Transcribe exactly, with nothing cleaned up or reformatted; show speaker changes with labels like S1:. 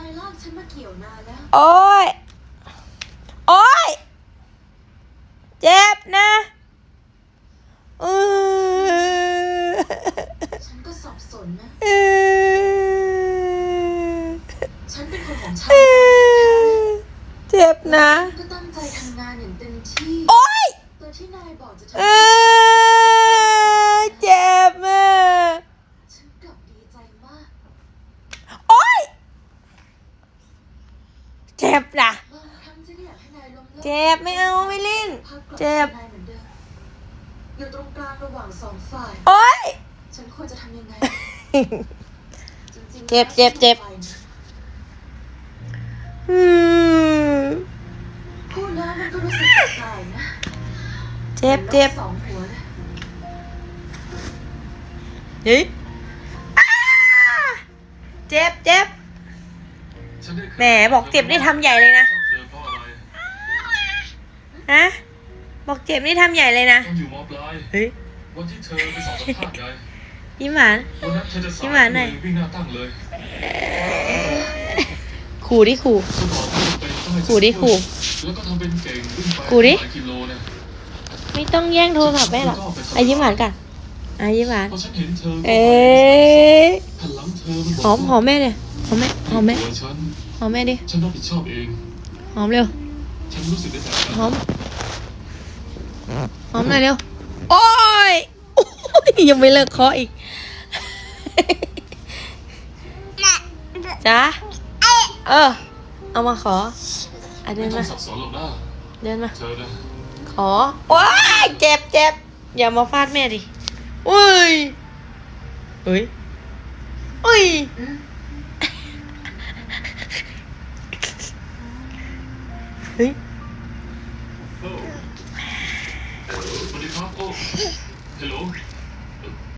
S1: ายลากฉันมาเกี่ยวนานแล้ว
S2: โอ๊ยโอ๊ยเจ็บนะเออ
S1: ฉันก็สับสนนะ
S2: เออ
S1: ฉันเป็นคนของฉัน
S2: เจ็บนะ
S1: ก็ตั้งใจทำงานอย่างเต็มที่
S2: โอ๊ย
S1: ตัวที่นายบอกจะท
S2: ำเออเจ็บอ่ะ
S1: ฉันกลับดีใจมาก
S2: โอ๊ยเจ็บนะ
S1: บางครั้งฉันอยากให้นายล้มเลิก
S2: เจ็บไม่เอาไม่เล่นเจ็บ
S1: อยู่ตรงกลางระหว่างสองฝ่าย
S2: โอ๊ย
S1: ฉันควรจะทำยังไง
S2: เจ็บเจ็บเจ็บอืม
S1: พูดแล้วมันก็รู้สึกแปลกๆนะ
S2: เจ็บเจ็บ
S1: สองหัวเลย
S2: เฮ้ยเจ็บเจ็บแหมบอกเจ็บนี่ทำใหญ่เลยนะฮะบอกเจ็บนี่ทำใหญ่เลยนะเฮ้ย
S3: วันที่เธอไปสอบสัมภาษณ์ไง
S2: ยิ้มหวาน
S3: วันนั้นเธอจะสา
S2: ยิ้มหวานหน่อย
S3: วิ่งหน้าตั้งเลย
S2: ขู่ดิขู่ขู่ดิขู่
S3: แล้วก็ทำเป็นเก่งวิ่งไป
S2: ขู่ดิ
S3: หลายกิโลเนี่ย
S2: ไม่ต้องแย่งโทรศัพท์แม่หรอกอ่ะยิ้มหวานกันอ่ะยิ้มหวาน
S3: พอฉันเห็นเธอ
S2: เอ๊ะ
S3: หันหลังเธอมันบ
S2: ห
S3: อก
S2: อมหอมแม่เลยหอมแม่หอมแม่
S3: ตัวฉัน
S2: หอมแม่ดิ
S3: ฉันรับผิดชอบเอง
S2: หอมเร็ว
S3: ฉันรู้สึกได้แบบนั้น
S2: หอมหอมหน่อยเร็วโอ้ยโอ้ยยังไม่เลิกเคาะอีกจ้าเออเอามาขออ่ะเดิ
S3: ไม่
S2: น
S3: ต้อ
S2: มาง
S3: สับสนหรอกนะ
S2: เดินมา
S3: เธอนะ
S2: ขอว้ายเจ็บเจ็บอย่ามาฟาดแม่ดิอุ้ยอุ้ยอุ้ยเฮ้ย
S3: โอ้สวัสดีครับโอ้ฮัลโหล